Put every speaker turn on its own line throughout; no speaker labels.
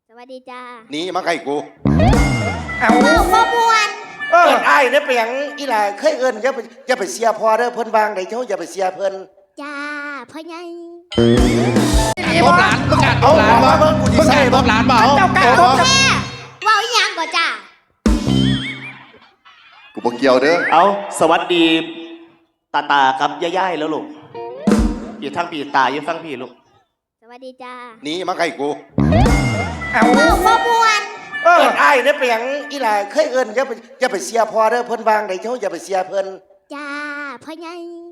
สวัสดีจ้า
หนีมาใกล้กู
เอาบ่มวน
เอิ้นอ้ายเนี่ยไปหยังอีหล่าเคยเอิ้นอย่าไปเสียพอเด้อเพิ่นวางได้เจ้าอย่าไปเสียเพิ่น
จ้าพ่อใหญ่
ตบหลานประกาศต
เอา
บหลาน
มาเบิ่งกูสิใส่
ตบหลานเปล่า
เจ้ากล้าตบแม่ว่าอีหยังก่อนจ้า
กูบ่เกี่ยวเด้อ
เอาสวัสดีตากับย่ายๆแล้วลูกอยู่ทางปีตาอยู่ฟังพี่ลูก
สวัสดีจ้า
หนีมาใกล้กู
เอาบ่มวน
เอิ้นอ้ายเนี่ยไปหยังอีหล่าเคยเอิ้นอย่าไปเสียพอเด้อเพิ่นวางได้เจ้าอย่าไปเสียเพิ่น
จ้าพ่อใหญ่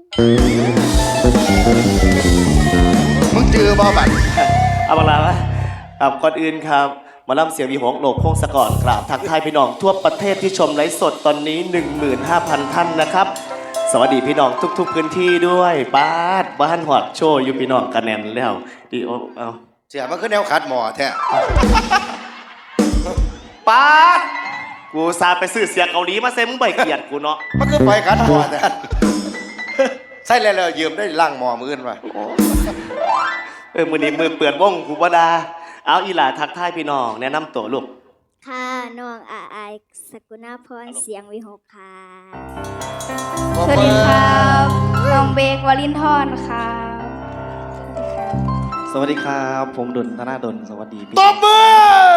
มึงจื้อบ่บัด
เอาบังลาไหมครับก่อนอื่นครับมาล่ำเสียงวีหกโลกพงศกรกราบทักทายพี่น้องทั่วประเทศที่ชมไลฟ์สดตอนนี้ 15,000 ท่านนะครับสวัสดีพี่น้องทุกๆพื้นที่ด้วยบ้านหอดโชว์อยู่พี่น้องกันแน่นแล้วดีโอเอา
เสียมันคือแนวขัดหมอแท้
ป้าดกูซาไปซื้อเสียเกาหลีมาเซ็มึงใบเกียดกูเนาะ
มันคือไฟขัดหมอแท้ใส่แล้วยืมได้ล่างหมอมื้ออื่นว่ะ
มือนี้มือเปื่อนว่องกูบ่ดาเอาอีหล่าทักทายพี่น้องแนะนำตัวลูก
ค่ะน้องอายสกุณาพรเสียงวิหกค่ะ
สวัสดีครับน้องเบกวลินทรครับ
สวัสดีครับผมดลธนาดลสวัสดีพี่
ตบมือ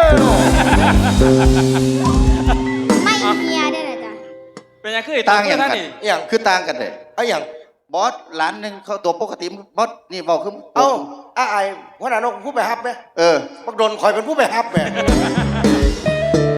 ไม่เฮียได้เลยจ้ะ
เป็นยังคือ
ต่างอย่างกัน
อย่าง
คือต่างกันเลย
เอาอย่าง
บอสหลานหนึ่งเขาตัวปกติบอสนี่บอกคือ
เอ้าอ้ายหัวหน้านกผู้ไปฮับไหมบักโดนคอยเป็นผู้ไปฮับไหม